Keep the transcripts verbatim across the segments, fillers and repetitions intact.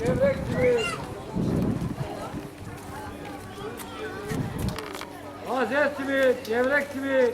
gevrek simit. Taze simit, gevrek simit.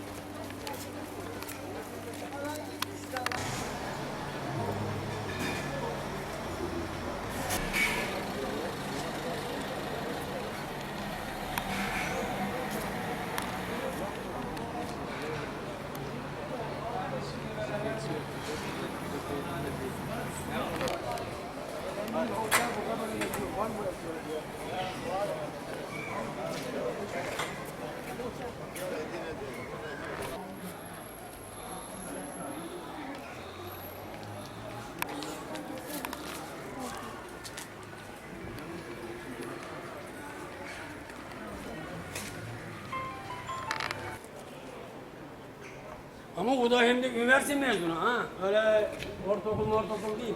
Ama o da hem de üniversite mezunu ha. Öyle ortaokul ortaokul değil.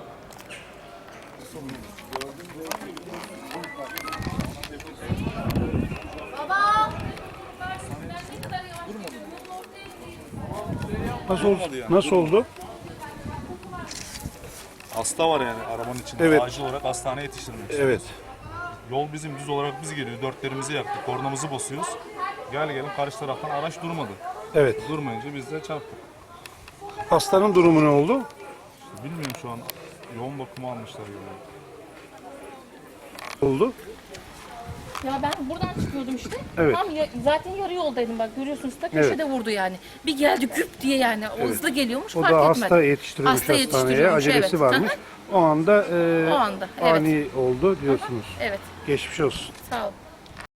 Baba! Nasıl oldu? Nasıl oldu? Hasta var yani arabanın içinde. Evet. Acil olarak hastaneye yetiştirmek Evet. Yol bizim düz olarak biz geliyor. Dörtlerimizi yaktık. Kornamızı basıyoruz. Gel gelin karşı taraftan araç durmadı. Evet. Durmayınca biz de çarptık. Hastanın durumu ne oldu? Bilmiyorum şu an yoğun bakıma almışlar yani. Oldu. Ya ben buradan çıkıyordum işte. Evet. Tam ya- zaten yarı yoldaydım bak görüyorsunuz da köşede vurdu yani. Bir geldi küp diye yani o hızlı geliyormuş O fark da etmedim. hasta yetiştiriyormuş Hasta hastaneye. yetiştiriyormuş, Acelesi evet. varmış. Hı O anda, e, O anda, evet. ani oldu diyorsunuz. Evet Geçmiş olsun. sağ ol.